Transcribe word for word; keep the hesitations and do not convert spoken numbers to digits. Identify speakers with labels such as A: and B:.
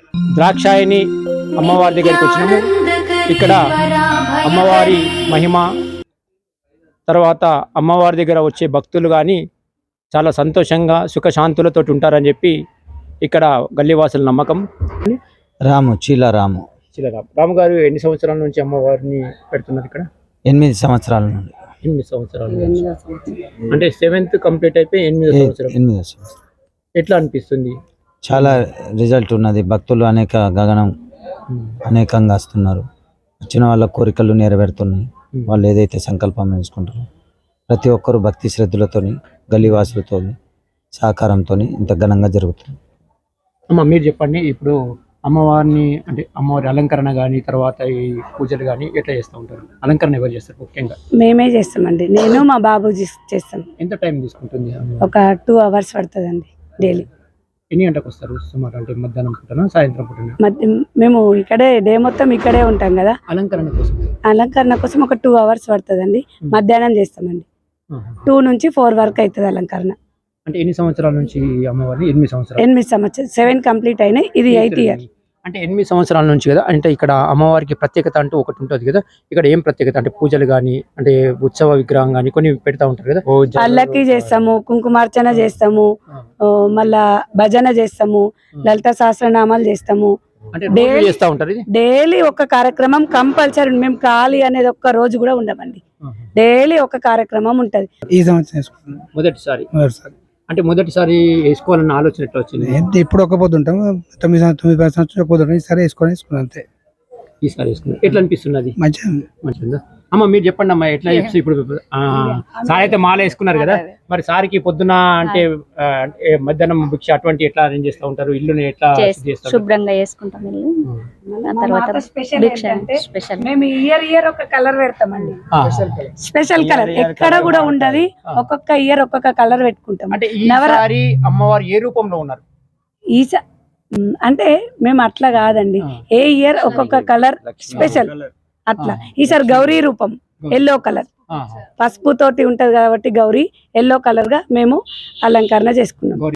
A: ద్రాక్షాయని అమ్మవారి దగ్గరికి వచ్చినాము. ఇక్కడ అమ్మవారి మహిమ, తర్వాత అమ్మవారి దగ్గర వచ్చే భక్తులు కానీ చాలా సంతోషంగా సుఖశాంతులతో ఉంటారని చెప్పి ఇక్కడ గల్లీవాసుల నమ్మకం.
B: రాము చీల రాము
A: చిలరామ్ రాము గారు ఎన్ని సంవత్సరాల నుంచి అమ్మవారిని పెడుతున్నారు ఇక్కడ?
B: ఎనిమిది సంవత్సరాల నుండి.
A: ఎనిమిది సంవత్సరాలు అంటే సెవెంత్ కంప్లీట్ అయిపోయి ఎనిమిది సంవత్సరాలు.
B: ఎనిమిది సంవత్సరాలు.
A: ఎట్లా అనిపిస్తుంది?
B: చాలా రిజల్ట్ ఉన్నది. భక్తులు అనేక గగనం అనేకంగా వస్తున్నారు. వచ్చిన వాళ్ళ కోరికలు నెరవేరుతున్నాయి. వాళ్ళు ఏదైతే సంకల్పం చేసుకుంటారో ప్రతి ఒక్కరు భక్తి శ్రద్ధలతోని గల్లీవాసులతో సహకారంతో ఇంత ఘనంగా జరుగుతుంది.
A: అమ్మ మీరు చెప్పండి, ఇప్పుడు అమ్మవారిని అంటే అమ్మవారి అలంకరణ కానీ తర్వాత ఈ పూజలు కానీ ఎట్లా చేస్తూ ఉంటారు? అలంకరణ ఎవరు చేస్తారు ముఖ్యంగా?
C: మేమే చేస్తామండి. నేను మా బాబు చేస్తాం.
A: ఎంత టైం తీసుకుంటుంది?
C: ఒక టూ అవర్స్ పడుతుందండి డైలీ.
A: ఎన్ని గంటలకు వస్తారు సుమారు? అంటే మధ్యాహ్నం పూటనా సాయంత్రం పూటనా?
C: మేము ఇక్కడే డే మొత్తం ఇక్కడే ఉంటాం కదా.
A: అలంకరణ కోసం
C: అలంకరణ కోసం ఒక టూ అవర్స్ పడుతుందండి. మధ్యాహ్నం చేస్తామండి. టూ నుంచి ఫోర్ వరకు అవుతుంది అలంకరణ.
A: అంటే ఎన్ని సంవత్సరాల నుంచి అమ్మవారిని? ఎనిమిది సంవత్సరాలు.
C: ఎనిమిది సంవత్సరాలు సెవెన్ కంప్లీట్ అయినాయి. ఇది ఎయిత్ ఇయర్.
A: అంటే ఎనిమిది సంవత్సరాల నుంచి కదా. అంటే ఇక్కడ అమ్మవారికి ప్రత్యేకత అంటూ ఒకటి ఉంటుంది కదా. ఇక్కడ ఏం ప్రత్యేకత అంటే పూజలు కానీ అంటే ఉత్సవ విగ్రహం కానీ కొన్ని పెడతా ఉంటారు కదా.
C: పల్లకి చేస్తాము, కుంకుమార్చన చేస్తాము, మళ్ళా భజన చేస్తాము, లలిత సహస్రనామాలు చేస్తాము. డైలీ ఒక కార్యక్రమం కంపల్సరీ. మేము ఖాళీ అనేది ఒక్క రోజు కూడా ఉండమండి. డైలీ ఒక కార్యక్రమం ఉంటది.
D: ఈ సంవత్సరం
A: మొదటిసారి అంటే మొదటిసారి వేసుకోవాలన్న ఆలోచన ఎట్లా వచ్చింది?
D: ఇప్పుడు ఒక పొద్దు ఉంటాం. తొమ్మిది తొమ్మిది పది సంవత్సరం ఒక పొద్దు ఈసారి వేసుకొని వేసుకున్నాం అంతే.
A: ఈసారి వేసుకున్నాం. ఎట్లా అనిపిస్తున్నది?
D: మంచిగా
A: మంచిగా. అమ్మ మీరు చెప్పండి అమ్మా, ఎట్లా చెప్పి ఇప్పుడు సార్ అయితే మాల వేసుకున్నారు కదా, మరి సార్కి పొద్దున అంటే మధ్యాహ్నం భిక్ష అటువంటి ఎట్లా అరేంజ్ చేస్తూ ఉంటారు? ఇల్లుని ఎట్లా చేస్తారు?
E: శుభ్రంగా వేసుకుంటాం ఇల్లు. తర్వాత భిక్ష స్పెషల్.
C: మేము ఇయర్ ఇయర్ ఒక కలర్ పెడతామండి. స్పెషల్ కలర్ ఎక్కడ కూడా ఉండదు. ఒక్కొక్క ఇయర్ ఒక్కొక్క కలర్ పెట్టుకుంటాం.
A: అంటే ఈసారి అమ్మవారు ఏ రూపంలో ఉన్నారు?
C: ఈసా అంటే మేము అట్లా కాదండి. ఏ ఇయర్ ఒక్కొక్క కలర్ స్పెషల్ అట్లా. ఈసారి గౌరీ రూపం ఎల్లో కలర్, పసుపు తోటి ఉంటది కాబట్టి గౌరీ ఎల్లో కలర్ గా మేము అలంకరణ చేసుకున్నాం.